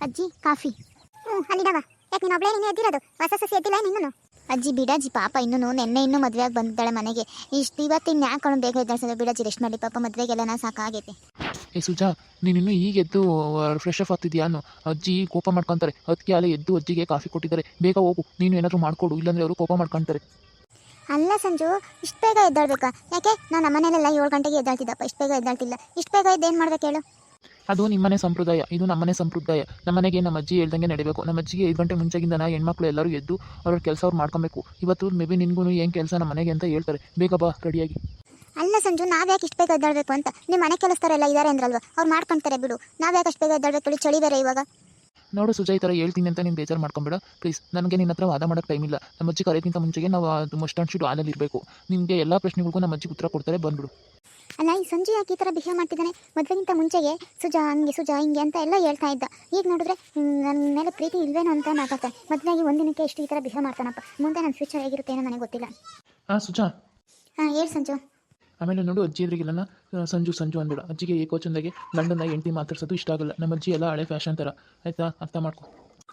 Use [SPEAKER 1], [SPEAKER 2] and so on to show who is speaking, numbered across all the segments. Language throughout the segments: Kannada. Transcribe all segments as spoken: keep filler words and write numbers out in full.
[SPEAKER 1] ಅಜ್ಜಿ ಕಾಫಿ.
[SPEAKER 2] ಹ್ಞೂ ಅಲ್ಲಿಡವ. ಯಾಕೆ ನೀನು ಒಬ್ಳೇ ನೀನು ಎದ್ದಿರೋದು? ಹೊಸ ಸಸಿ ಎದ್ದಿಲ್ಲ ನೀನು?
[SPEAKER 1] ಅಜ್ಜಿ ಬಿಡಜ್ಜಿ, ಪಾಪ ಇನ್ನೂ ನೆನ್ನೆ ಇನ್ನೂ ಮದುವೆಯಾಗಿ ಬಂದಿದ್ದಾಳೆ ಮನೆಗೆ. ಇಷ್ಟು ಇವತ್ತಿನ ಯಾಕೆ ಬೇಗ ಎದ್ದಾಳ್ಸೋದು? ಬಿಡಜ್ಜಿ ರೆಸ್ಟ್ ಮಾಡಿ, ಪಾಪ ಮದುವೆಗೆಲ್ಲ ಸಾಕಾಗೈತೆ.
[SPEAKER 3] ಏ ಸುಜಾ, ನೀನಿನ್ನೂ ಈಗ ಎದ್ದು ಫ್ರೆಶ್ ಅಪ್ ಆಗ್ತಿದ್ಯಾ ಅನ್ನು? ಅಜ್ಜಿ ಕೋಪ ಮಾಡ್ಕೊತಾರೆ. ಅದಕ್ಕೆ ಅಲ್ಲೇ ಎದ್ದು ಅಜ್ಜಿಗೆ ಕಾಫಿ ಕೊಟ್ಟಿದ್ದಾರೆ. ಬೇಗ ಹೋಗು, ನೀನು ಏನಾದರೂ ಮಾಡಿಕೊಡು, ಇಲ್ಲಾಂದರೆ ಅವರು ಕೋಪ ಮಾಡ್ಕೊತಾರೆ.
[SPEAKER 1] ಅಲ್ಲ ಸಂಜು, ಇಷ್ಟು ಬೇಗ ಎದ್ದಾಳ್ಬೇಕಾ? ಯಾಕೆ ನಾನು ನಮ್ಮನೇಲೆಲ್ಲ ಏಳು ಗಂಟೆಗೆ ಎದ್ದಾಳ್ತಿದ್ದಪ್ಪ, ಇಷ್ಟು ಬೇಗ ಎದ್ದಾಳ್ತಿಲ್ಲ. ಇಷ್ಟು ಬೇಗ ಎದ್ದೇನು ಮಾಡ್ಬೇಕು ಹೇಳು?
[SPEAKER 3] ಅದು ನಿಮ್ಮನೆ ಸಂಪ್ರದಾಯ, ಇದು ನಮ್ಮನೆ ಸಂಪ್ರದಾಯ. ನಮ್ಮನೆಗೆ ನಮ್ಮ ಅಜ್ಜಿ ಹೇಳ್ದಂಗೆ ನಡಿಬೇಕು. ನಮ್ಮ ಅಜ್ಜಿಗೆ ಐದು ಗಂಟೆ ಮುಂಚೆಗಿಂದ ನಾ ಹೆಣ್ಮಕ್ಳು ಎಲ್ಲರೂ ಎದ್ದು ಅವ್ರ ಕೆಲಸ ಅವ್ರು ಮಾಡ್ಕೊಬೇಕು. ಇವತ್ತು ಮೇ ಬಿ ನಿನ್ಗೂ ಏನು ಕೆಲಸ ನಮ್ಮ ಮನೆಗೆ ಅಂತ ಹೇಳ್ತಾರೆ. ಬೇಗ ಬಾ ರೆಡಿಯಾಗಿ.
[SPEAKER 1] ಅಲ್ಲ ಸಂಜು, ನಾವ್ಯಾಕೆ ಇಷ್ಟು ಬೇಗ ಎದ್ದಾಳ್ಬೇಕು ಅಂತ? ನಿಮ್ಮ ಮನೆ ಕೆಲಸದವರೆಲ್ಲ ಇದ್ದಾರೆ ಅಂದ್ರಲ್ವ, ಅವ್ರು ಮಾಡ್ಕೊಳ್ತಾರೆ ಬಿಡು. ನಾವ್ಯಾಕೆ ಅಷ್ಟು ಬೇಗ ಎದ್ದಾಳ್ಬೇಕು ಹೇಳಿ? ಚಳಿ ಬೇರೆ ಇವಾಗ.
[SPEAKER 3] ನೋಡು ಸುಜಾ, ಈ ಥರ ಹೇಳ್ತೀನಿ ಅಂತ ನೀನು ಬೇಜಾರು ಮಾಡ್ಕೊಂಬೇಡ ಪ್ಲೀಸ್. ನನಗೆ ನಿನ್ನ ಹತ್ರ ವಾದ ಮಾಡೋಕ್ಕೆ ಟೈಮ್ ಇಲ್ಲ. ನಮ್ಮ ಅಜ್ಜಿ ಕರೆಯೋಕ್ಕಿಂತ ಮುಂಚೆಗೆ ನಾವು ಅದು ಮಸ್ಟ್ ಆ್ಯಂಡ್ ಶುಡ್ ಹಾಲಲ್ಲಿ ಇರಬೇಕು. ನಿಮಗೆ ಎಲ್ಲ ಪ್ರಶ್ನೆಗಳಿಗೂ ನಮ್ಮ ಅಜ್ಜಿ ಉತ್ತರ ಕೊಡ್ತಾರೆ, ಬಂದ್ಬಿಡು.
[SPEAKER 1] ಅಲ್ಲ, ಈ ಸಂಜು ಯಾಕೆ ಈ ಥರ ಬಿಹೇವ್ ಮಾಡ್ತಿದ್ದಾನೆ? ಮದುವೆಗಿಂತ ಮುಂಚೆಗೆ ಸುಜಾ ಹಂಗೆ ಸುಜಾ ಹಿಂಗೆ ಅಂತ ಎಲ್ಲ ಹೇಳ್ತಾ ಇದ್ದ. ಈಗ ನೋಡಿದ್ರೆ ನನ್ನ ಮೇಲೆ ಪ್ರೀತಿ ಇಲ್ವೇನೋ ಅಂತ ಮಾತಾಡ್ತಾನೆ. ಮದುವೆಯಾಗಿ ಒಂದಿನಕ್ಕೆ ಎಷ್ಟು ಈ ಥರ ಬಿಹೇವ್ ಮಾಡ್ತಾನಪ್ಪ. ಮುಂದೆ ನನ್ನ ಫ್ಯೂಚರ್ ಹೇಗಿರುತ್ತೆ ಏನೋ ನನಗೆ ಗೊತ್ತಿಲ್ಲ.
[SPEAKER 3] ಹಾಂ ಸುಜಾ.
[SPEAKER 1] ಹಾಂ ಹೇಳಿ ಸಂಜು.
[SPEAKER 3] ಆಮೇಲೆ ನೋಡು, ಅಜ್ಜಿ ಎದುರಿಗಿಲ್ಲ ಸಂಜು ಸಂಜು ಅಂದ್ಬೇಡ. ಅಜ್ಜಿಗೆ ಏಕೋಚಂದಾಗೆ ಗಂಡನ ಹೆಂಡತಿ ಮಾತಾಡ್ಸೋದು ಇಷ್ಟ ಆಗಲ್ಲ. ನಮ್ಮ ಅಜ್ಜಿ ಎಲ್ಲ ಹಳೆ ಫ್ಯಾಷನ್ ಥರ, ಆಯಿತಾ? ಅರ್ಥ ಮಾಡ್ಕೊ.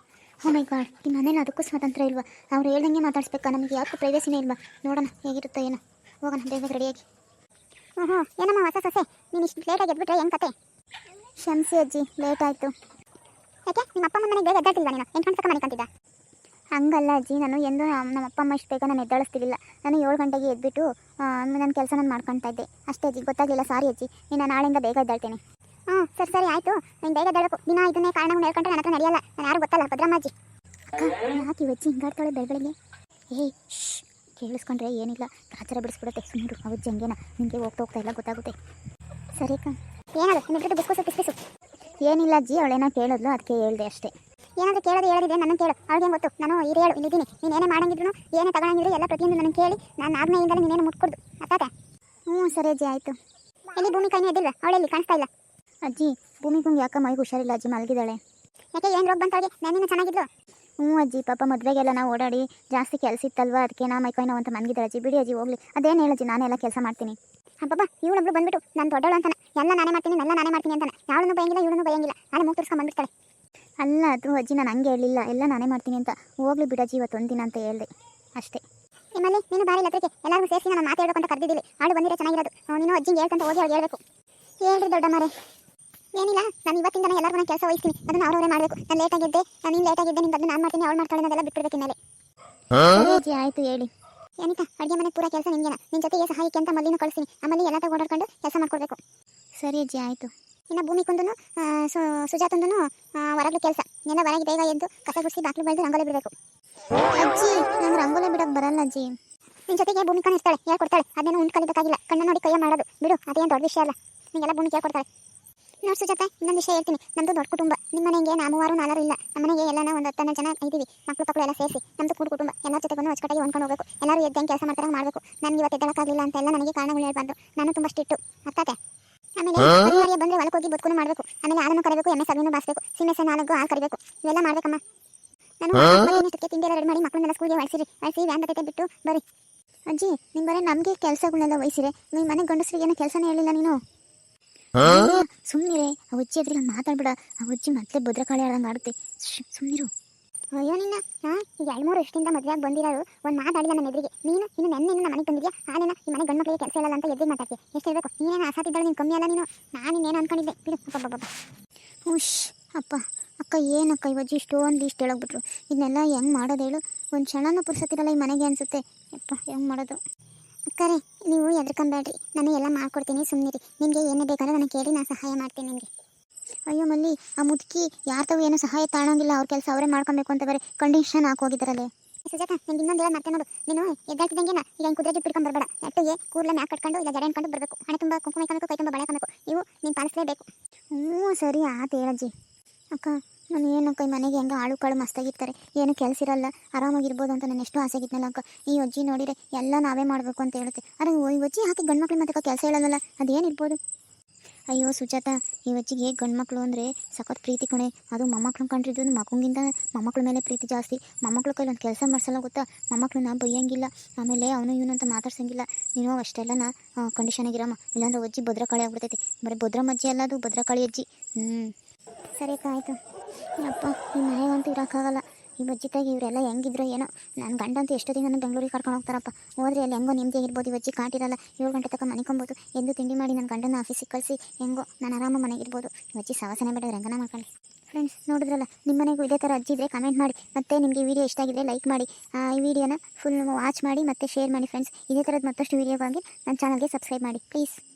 [SPEAKER 1] ಓ ಮೈ ಗಾಡ್, ಈ ಮನೇಲಿ ಅದಕ್ಕೂ ಸ್ವಾತಂತ್ರ್ಯ ಇಲ್ವಾ? ಅವ್ರು ಹೇಳ್ದಂಗೆ ಮಾತಾಡಿಸ್ಬೇಕಾ? ನಮಗೆ ಯಾಕೆ ಪ್ರೈವೇಸಿನೇ ಇಲ್ವಾ? ನೋಡೋಣ ಹೇಗಿರುತ್ತೋ ಏನೋ. ಹೋಗೋಣ ಬೇಗ ರೆಡಿಯಾಗಿ.
[SPEAKER 2] ಹ್ಞೂ ಹ್ಞೂ ಏನಮ್ಮ ಹೊಸ ಸೊಸೆ, ನೀನು ಇಷ್ಟು ಲೇಟಾಗಿ ಎದ್ಬಿಟ್ರೆ ಹೆಂಗೆ ಕತೆ?
[SPEAKER 1] ಕ್ಷಮಿಸಿ ಅಜ್ಜಿ, ಲೇಟ್ ಆಯಿತು.
[SPEAKER 2] ಯಾಕೆ ನಿಮ್ಮ ಅಪ್ಪ ಅಮ್ಮ ಮನೆಗೆ ಬೇಗ ಎದ್ದಾಡ್ತಿಲ್ವಾ ನೀನು? ಎಂಟು ಗಂಟೆ ಮನೆ ಕಂತಿದ್ದ?
[SPEAKER 1] ಹಂಗಲ್ಲ ಅಜ್ಜಿ, ನಾನು ಎಂದು ನಮ್ಮ ಅಪ್ಪ ಅಮ್ಮ ಇಷ್ಟು ಬೇಗ ನಾನು ಎದ್ದಾಳಿಸ್ತಿರ್ಲಿಲ್ಲ. ನಾನು ಏಳು ಗಂಟೆಗೆ ಎದ್ಬಿಟ್ಟು ನನ್ನ ಕೆಲಸ ನಾನು ಮಾಡ್ಕೊತಾ ಇದ್ದೆ ಅಷ್ಟೇ ಅಜ್ಜಿ. ಗೊತ್ತಾಗಲಿಲ್ಲ, ಸಾರಿ ಅಜ್ಜಿ. ನೀನು ನಾಳೆಯಿಂದ ಬೇಗ ಎದ್ದಾಳ್ತೇನೆ.
[SPEAKER 2] ಹ್ಞೂ ಸರಿ ಸರಿ ಆಯಿತು. ನೀನು ಬೇಗ ಎದ್ದಾಡಬೇಕು. ದಿನ ಇದನ್ನೇ ಕಾರಣಗಳು ಹೇಳ್ಕೊಂಡ್ರೆ ನನ್ನ ಹತ್ರ ನಡೆಯಲ್ಲ. ನಾನು ಯಾರು ಗೊತ್ತಲ್ಲ, ಭದ್ರಮ್ಮಾಜಿ.
[SPEAKER 1] ಅಕ್ಕ, ಯಾಕೆ ಇವಜ್ಜಿ ಹಿಂಗಾಡ್ತಾಳೆ ಬೆಳಗ್ಗೆ? ಏಯ್ ಶ್, ಕೇಳಿಸ್ಕೊಂಡ್ರೆ ಏನಿಲ್ಲ, ಆಚಾರ ಬಿಡಿಸ್ಬಿಡುತ್ತೆ. ಸುಮ್ಮನೆ ಅವಜ್ಜಿ ಹಂಗೇನ, ನಿಮಗೆ ಹೋಗ್ತಾ ಹೋಗ್ತಾ ಎಲ್ಲ ಗೊತ್ತಾಗುತ್ತೆ. ಸರಿ ಅಕ್ಕ.
[SPEAKER 2] ಏನದು ನಿಮ್ಮಿಬ್ಬರದ್ದು ಬಿಸ್ಕುಸು ಪಿಸ್ಪಿಸು?
[SPEAKER 1] ಏನಿಲ್ಲ ಅಜ್ಜಿ, ಅವಳೇನ ಕೇಳಿದ್ಲು, ಅದಕ್ಕೆ ಹೇಳಿದೆ ಅಷ್ಟೇ.
[SPEAKER 2] ಏನಾದರೂ ಕೇಳೋದು ಹೇಳೋದಿದೆ ನನ್ನ ಕೇಳು. ಅವ್ಳಿಗೆ ಗೊತ್ತು, ನಾನು ಇದು ಹೇಳು ಇಲ್ಲಿದ್ದೀನಿ. ನೀನು ಏನೇ ಮಾಡಂಗಿದ್ರು ಏನೇ ತಗೊಳಂಗಿದ್ರು ಎಲ್ಲ ಪ್ರತಿಯೊಂದು ನನಗೆ ಕೇಳಿ ನಾನು ಆಜ್ಞೆಯಿಂದಲೇ ನೀನೇನು ಮುಟ್ಕೊಡ್ದು. ಅತ್ತಾತೆ?
[SPEAKER 1] ಹ್ಞೂ ಸರಿ ಅಜ್ಜಿ, ಆಯಿತು.
[SPEAKER 2] ಎಲ್ಲಿ ಭೂಮಿ ಕೈನೇ ಎದ್ದಿಲ್ವ? ಅವಳೆಲ್ಲಿ ಕಾಣಿಸ್ತಾ ಇಲ್ಲ.
[SPEAKER 1] ಅಜ್ಜಿ, ಭೂಮಿಗೂ ಯಾಕೆ ಮೈಗೆ ಹುಷಾರಿಲ್ಲ ಅಜ್ಜಿ, ಮಲಗಿದ್ದಾಳೆ.
[SPEAKER 2] ಯಾಕೆ ಏನು ರೋಗ ಬಂತವಳಿಗೆ? ನಾನಿನ್ನೂ ಚೆನ್ನಾಗಿದ್ಲು.
[SPEAKER 1] ಹ್ಞೂ ಅಜ್ಜಿ, ಪಾಪ ಮದುವೆಗೆಲ್ಲ ನಾವು ಓಡಾಡಿ ಜಾಸ್ತಿ ಕೆಲಸ ಇತ್ತಲ್ವ, ಅದಕ್ಕೆ ನಾ ಮೈಕೈ ನೋವು ಅಂತ ಮಲಗಿದ್ದಾಳೆ ಅಜ್ಜಿ. ಬಿಡಿ ಅಜ್ಜಿ, ಹೋಗ್ಲಿ. ಅದೇನು ಹೇಳಜ್ಜಿ, ನಾನೆಲ್ಲ ಕೆಲಸ ಮಾಡ್ತೀನಿ.
[SPEAKER 2] ಹಬ್ಬಬ್ಬ, ಇವಳೊಬ್ಳು ಬಂದ್ಬಿಟ್ಟು ನಾನು ದೊಡ್ಡವಳು ಅಂತಾನೆ, ಎಲ್ಲ ನಾನೇ ಮಾಡ್ತೀನಿ, ಎಲ್ಲ ನಾನೇ ಮಾಡ್ತೀನಿ ಅಂತಾನೆ. ಯಾವಳನ್ನು ಬಯಂಗಿಲ್ಲ, ಇವಳನ್ನು ಬಯಂಗಿಲ್ಲ. ನಾಳೆ ಮೂಗ್ ತೋರಿಸ್ಕೊಂಡು ಬಂದ್ಬಿಡ್ತಾಳೆ.
[SPEAKER 1] ಅಲ್ಲ ಅದು ಅಜ್ಜಿ, ನಾನು ಹಂಗೆ ಹೇಳಿಲ್ಲ, ಎಲ್ಲ ನಾನೇ ಮಾಡ್ತೀನಿ ಅಂತ. ಹೋಗ್ಲಿ ಬಿಡಜ್ಜಿ, ಇವತ್ತು ಒಂದಿನ ಅಂತ ಹೇಳಿದೆ ಅಷ್ಟೇ.
[SPEAKER 2] ನಿಮ್ಮಲ್ಲಿ ನೀನು ಬಾರಿ ಲತ್ರಕ್ಕೆ ಎಲ್ಲರಿಗೂ ಸೇರಿಸಿ ನಾನು ಮಾತಾಡಬೇಕು ಅಂತ ಕರೆದಿದ್ದಿಲ್ಲ. ಅವಳು ಬಂದಿರೋ ಚೆನ್ನಾಗಿರೋದು. ನೀನು ಅಜ್ಜಿಗೆ ಹೇಳ್ಕೊಂತ ಹೋಗಿ ಅವ್ಳು ಹೇಳ್ಬೇಕು. ಹೇಳ್ರಿ ದೊಡ್ಡ ಮಾರೆ. ಏನಿಲ್ಲ, ನಾನು ಇವತ್ತಿಂದನೇ ಎಲ್ಲರಿಗೂ ನಾನು ಕೆಲಸ ವಹಿಸ್ತೀನಿ. ಅದನ್ನು ಅವ್ರವರೇ ಮಾಡಬೇಕು. ನಾನು ಲೇಟಾಗಿದ್ದೆ, ನಾನು ನೀನು ಲೇಟಾಗಿದ್ದೆ, ನಿನ್ನ ನಾನು ಮಾಡ್ತೀನಿ, ಅವಳು ಮಾಡ್ತಾಳೆ, ಅದೆಲ್ಲ ಬಿಟ್ಬಿಡ್ಬೇಕು ಇನ್ಮೇಲೆ.
[SPEAKER 1] ಅಜ್ಜಿ ಆಯಿತು, ಹೇಳಿ.
[SPEAKER 2] ಏನಿಕ ಅಡುಗೆ ಮನೆ ಪೂರ ಕೆಲಸ ನಿಂಗೇನ? ನಿನ್ನ ಜೊತೆಗೆ ಸಹಾಯಕ್ಕೆ ಅಂತ ಮಲ್ಲಿನ ಕಳಿಸ್ತೀನಿ. ಆಮೇಲೆ ಎಲ್ಲ ಓಡಾಡ್ಕೊಂಡು ಕೆಲಸ ಮಾಡ್ಕೊಡ್ಬೇಕು.
[SPEAKER 1] ಸರಿ ಅಜ್ಜಿ, ಆಯಿತು.
[SPEAKER 2] ಇನ್ನು ಭೂಮಿ ಕುಂದನು ಸುಜಾತಂದನು ಹೊರಗಡೆ ಕೆಲಸ. ಎಲ್ಲ ಹೊರಗೆ ಬೇಗ ಎದ್ದು ಕಸ ಗುಡಿಸಿ ಬಾಕ್ಲು ಬೆಳೆದು ರಂಗೋಲಿ ಬಿಡಬೇಕು.
[SPEAKER 1] ಅಜ್ಜಿ, ನಂಗೆ ರಂಗೋಲಿ ಬಿಡಕ್ಕೆ ಬರಲ್ಲ ಅಜ್ಜಿ.
[SPEAKER 2] ನಿನ್ನ ಜೊತೆಗೆ ಭೂಮಿ ಕಣ್ಣು ಇರ್ತಾಳೆ, ಹೇಳ್ಕೊಡ್ತಾಳೆ. ಅದೇನೋ ಉಂಟು ಕಲಿಬೇಕಾಗಿಲ್ಲ, ಕಣ್ಣು ನೋಡಿ ಕೈಯ ಮಾಡೋದು ಬಿಡು. ಅದೇನು ದೊಡ್ಡ ವಿಷಯ ಅಲ್ಲ, ನಿಮಗೆಲ್ಲ ಭೂಮಿ ಕೇಳ್ಕೊಡ್ತಾಳೆ. ನೋಡಿ ಸುಜಾತ, ಇನ್ನೊಂದು ವಿಷಯ ಹೇಳ್ತೀನಿ. ನಮ್ಮದು ದೊಡ್ಡ ಕುಟುಂಬ. ನಿಮ್ಮ ಮನೆಗೆ ನಾ ಮೂವರು ನಾಲ್ವರು ಇಲ್ಲ. ನಮ್ಮ ಮನೆಗೆ ಎಲ್ಲ ಒಂದು ಹತ್ತನ್ನು ಜನ ಇದ್ದೀವಿ, ಮಕ್ಕಳು ಮಕ್ಕಳು ಎಲ್ಲ ಸೇರಿಸಿ. ನಮ್ಮದು ಕೂಡು ಕುಟುಂಬ. ಎಲ್ಲರ ಜೊತೆಗೂ ಅಚ್ಚುಕಟ್ಟಾಗಿ ಹೊಂದ್ಕೊಂಡು ಹೋಗಬೇಕು. ಎಲ್ಲರೂ ಎದ್ದಂಗೆ ಕೆಲಸ ಮಾಡ್ತಾರೆ ಮಾಡಬೇಕು. ನನಗೆ ಇವತ್ತು ಎದ್ದಕ್ಕಾಗಲಿಲ್ಲ ಅಂತ ಎಲ್ಲ ನನಗೆ ಕಾರಣಗಳು ಹೇಳ್ಬಾರ್ದು. ನಾನು ತುಂಬ ಸ್ಟ್ರಿಕ್ಟು, ಅರ್ಥಾತೆ? ಆಮೇಲೆ ಪರಿವಾರ ಬಂದರೆ ಹೊಲಕ್ಕೆ ಹೋಗಿ ಬದುಕು ಮಾಡಬೇಕು. ಆಮೇಲೆ ಹಾಲನ್ನು ಕರಬೇಕು, ಎಮ್ಮೆ ಸಗಣಿನೂ ಬಾಸಬೇಕು, ಸೀಮೆ ಸೆ ನಾಲ್ಕು ಹಾಲು ಕರಿಬೇಕು. ಇವೆಲ್ಲ ಮಾಡ್ಬೇಕಮ್ಮ. ನಾನು ಇನ್ನಷ್ಟಕ್ಕೆ ತಿಂಡಿ ಎಲ್ಲ ರೆಡಿ ಮಾಡಿ ಮಕ್ಕಳನ್ನೆಲ್ಲ ಸ್ಕೂಲ್ಗೆ ಹೊಳಿಸಿರಿ. ಹೊಳಿಸಿ ವ್ಯಾನ್ ಬರ್ತೈತೆ ಬಿಟ್ಟು ಬರೀ.
[SPEAKER 1] ಅಜ್ಜಿ, ನಿಮ್ಮ ಬರೀ ನಮಗೆ ಕೆಲಸಗಳನ್ನೆಲ್ಲ ವಹಿಸಿರೆ, ನಿಮ್ಮ ಮನೆ ಗಂಡಸರಿಗೆ ಏನೋ ಕೆಲಸನೇ ಹೇಳಿಲ್ಲ ನೀನು. ಸುಮ್ಮನಿರೆ, ಆ ಅಜ್ಜಿ ಎದ್ರಿಗೆ ಮಾತಾಡ್ಬಿಡ. ಆ ಅಜ್ಜಿ ಮತ್ತೆ ಭದ್ರಕಾಳಿ ಆಡಂಗೆ ಆಡುತ್ತೆ. ಸುಮ್ಮನಿರು.
[SPEAKER 2] ಅಯ್ಯೋ ನಿನ್ನ, ಹಾಂ ಈಗ ಎರಡು ಮೂರು ವರ್ಷದಿಂದ ಮದುವೆಯಾಗಿ ಬಂದಿರೋರು ಒಂದು ಮಾತಾಡಿಲ್ಲ ನನ್ನ ಎದುರಿಗೆ. ನೀನು ಇನ್ನು ನೆನ್ನೆ ಇನ್ನು ಮನೆಗೆ ಬಂದಿದ್ಯಾ, ಹಾಲೇನ ಈ ಮನೆ ಗಂಡು ಮಕ್ಕಳಿಗೆ ಕೆಲಸ ಹೇಳಲ್ಲ ಅಂತ ಎದುರಿಗೆ ಮಾತಾಡ್ತೀಯ. ಎಷ್ಟು ಹೇಳಬೇಕು? ನೀನೇನು ಆಸಾತಿದ್ದಾಳೆ, ನೀನು ಕಮ್ಮಿ ಅಲ್ಲ ನೀನು. ನಾನು ಇನ್ನೇನು ಅನ್ಕೊಂಡಿದ್ದೆ ಬಿಡು. ಅಪ್ಪ
[SPEAKER 1] ಹುಷ್ ಅಪ್ಪ. ಅಕ್ಕ, ಏನಕ್ಕ ಇವಜ್ಜಿ ಇಷ್ಟೊಂದು ಲೀಸ್ಟ್ ಹೇಳೋಗ್ಬಿಟ್ರು. ಇದನ್ನೆಲ್ಲ ಹೆಂಗೆ ಮಾಡೋದು ಹೇಳು? ಒಂದು ಕ್ಷಣನೂ ಪುರ್ಸತ್ತಿರಲ್ಲ ಈ ಮನೆಗೆ ಅನಿಸುತ್ತೆ. ಅಪ್ಪ, ಹೆಂಗೆ ಮಾಡೋದು?
[SPEAKER 2] ಅಕ್ಕರೆ, ನೀವು ಎದ್ರಕೊಂಬೇಡ್ರಿ, ನಾನು ಎಲ್ಲ ಮಾಡ್ಕೊಡ್ತೀನಿ, ಸುಮ್ಮನಿರಿ. ನಿಮಗೆ ಏನೇ ಬೇಕಾದ್ರೆ ನನಗೆ ಕೇಳಿ ನಾನು ಸಹಾಯ ಮಾಡ್ತೀನಿ ನಿಮಗೆ.
[SPEAKER 1] ಅಯ್ಯೋ ಮಲ್ಲಿ, ಆ ಮುದುಕಿ ಯಾರ ತಾವು ಏನೂ ಸಹಾಯ ತಾಣಂಗಿಲ್ಲ. ಅವ್ರ ಕೆಲಸ ಅವರೇ ಮಾಡ್ಕೊಬೇಕು ಅಂತ ಬೇರೆ ಕಂಡೀಷನ್ ಹಾಕೋಗಿದ್ದಾರಲ್ಲೇ.
[SPEAKER 2] ಸುಜಾತ, ನಿಂಗೆ ಇನ್ನೊಂದು ಹೇಳೋದು ಮತ್ತೆ ನೋಡು. ನೀನು ಎದ್ದಾಡ್ತಿದ್ದಂಗೆ ಈಗ ಹಿಂಗೆ ಕುದುರೆ ಜುಟ್ಟು ಹಿಡ್ಕೊಂಡು ಬರಬೇಡ. ನೆಟ್ಟಿಗೆ ಕೂದಲ ಮ್ಯಾಕ್ ಕಟ್ಕೊಂಡು ಇಲ್ಲ ಜಡೆ ಅನ್ಕೊಂಡು ಬರಬೇಕು. ಹಣೆ ತುಂಬ ಕುಂಕುಮ ಇಕ್ಕಬೇಕು, ಕೈ ತುಂಬ ಬಳೆ ಹಾಕಬೇಕು. ಇವು ನೀನು ಪಾಲಿಸಲೇಬೇಕು.
[SPEAKER 1] ಹ್ಞೂ ಸರಿ ಆತು ಹೇಳಜ್ಜಿ. ಅಕ್ಕ, ನಾನು ಏನಕ್ಕ ಈ ಮನೆಗೆ ಹೆಂಗೆ ಆಳು ಕಾಳು ಮಸ್ತಾಗಿರ್ತಾರೆ, ಏನು ಕೆಲಸ ಇರಲ್ಲ, ಆರಾಮಾಗಿರ್ಬೋದು ಅಂತ ನಾನು ಎಷ್ಟು ಆಸೆಗಿದ್ನಲ್ಲ ಅಕ್ಕ. ಈ ಅಜ್ಜಿ ನೋಡಿದರೆ ಎಲ್ಲ ನಾವೇ ಮಾಡಬೇಕು ಅಂತ ಹೇಳುತ್ತೆ. ಅರೆ ಈ ಅಜ್ಜಿ ಹಾಕಿ ಗಂಡು ಮಕ್ಳು ಮತ್ತೆ ಕೆಲಸ ಹೇಳೋಲ್ಲ, ಅದೇನಿರ್ಬೋದು? ಅಯ್ಯೋ ಸುಜಾತ, ಈ ಅಜ್ಜಿಗೆ ಗಂಡು ಮಕ್ಕಳು ಅಂದರೆ ಸಖತ್ ಪ್ರೀತಿ ಕಣೆ. ಅದು ಮೊಮ್ಮಕ್ಳು ಕಂಡ್ರಿದ್ದು ಮಕ್ಕಳಿಗಿಂತ ಮೊಮ್ಮಕ್ಳ ಮೇಲೆ ಪ್ರೀತಿ ಜಾಸ್ತಿ. ಮೊಮ್ಮಕ್ಳ ಕೈಲಿ ಒಂದು ಕೆಲಸ ಮಾಡಿಸಲ್ಲ ಗೊತ್ತಾ? ಮೊಮ್ಮಕ್ಳನ್ನ ಬೈಯಂಗಿಲ್ಲ, ಆಮೇಲೆ ಅವನು ಇವನು ಅಂತ ಮಾತಾಡ್ಸಂಗಿಲ್ಲ. ನೀನು ಅಷ್ಟೆಲ್ಲನ ಕಂಡೀಷನಾಗಿರಮ್ಮ, ಇಲ್ಲಾಂದ್ರೆ ಅಜ್ಜಿ ಭದ್ರಕಾಳಿ ಆಗ್ಬಿಡ್ತೈತಿ. ಬರೀ ಭದ್ರಮ್ಮ ಅಜ್ಜಿ ಅಲ್ಲ, ಅದು ಭದ್ರಕಾಳಿ ಅಜ್ಜಿ. ಹ್ಞೂ
[SPEAKER 2] ಸರಿ ಆಯಿತು.
[SPEAKER 1] ಅಪ್ಪ ಈ ಮನೆಗಂತೂ ಇರೋಕ್ಕಾಗಲ್ಲ. ಈ ಬಜ್ಜಿತಾಗಿ ಇವರೆಲ್ಲ ಹೆಂಗಿದ್ರು ಏನೋ. ನನ್ನ ಗಂಡಂತೂ ಎಷ್ಟೊತ್ತಿಗೆ ನನ್ನ ಬೆಂಗಳೂರಿಗೆ ಕರ್ಕೊಂಡು ಹೋಗ್ತಾರಪ್ಪ. ಹೋದ್ರೆ ಅಲ್ಲಿ ಹೆಂಗೋ ನಿಮ್ಮದಿಯಾಗಿರ್ಬೋದು, ಈ ಬಜ್ಜಿ ಕಾಟಿರಲ್ಲ, ಏಳು ಗಂಟೆ ತನಕ ಮನಿಕೊಬೋದು, ಎಂದು ತಿಂಡಿ ಮಾಡಿ ನನ್ನ ಗಂಡನ ಆಫೀಸಿಗೆ ಕಳಿಸಿ ಹೆಂಗೋ ನಾನು ಆರಾಮ ಮನೆಗಿರ್ಬೋದು. ಈ ಬಜ್ಜಿ ಸವಾಸನೆ ಬೇಡ, ರಂಗನ ಮಾಡ್ಕೊಳ್ಳಿ. ಫ್ರೆಂಡ್ಸ್ ನೋಡಿದ್ರಲ್ಲ, ನಿಮ್ಮ ಮನೆಗೂ ಇದೇ ಥರ ಅಜ್ಜಿ ಇದ್ದರೆ ಕಮೆಂಟ್ ಮಾಡಿ. ಮತ್ತು ನಿಮಗೆ ಈ ವಿಡಿಯೋ ಇಷ್ಟ ಆಗಿದ್ರೆ ಲೈಕ್ ಮಾಡಿ, ಈ ವಿಡಿಯೋನ ಫುಲ್ ವಾಚ್ ಮಾಡಿ ಮತ್ತು ಶೇರ್ ಮಾಡಿ ಫ್ರೆಂಡ್ಸ್. ಇದೇ ಥರದ ಮತ್ತಷ್ಟು ವೀಡಿಯೋಗಾಗಿ ನನ್ನ ಚಾನಲ್ಗೆ ಸಬ್ಸ್ಕ್ರೈಬ್ ಮಾಡಿ ಪ್ಲೀಸ್.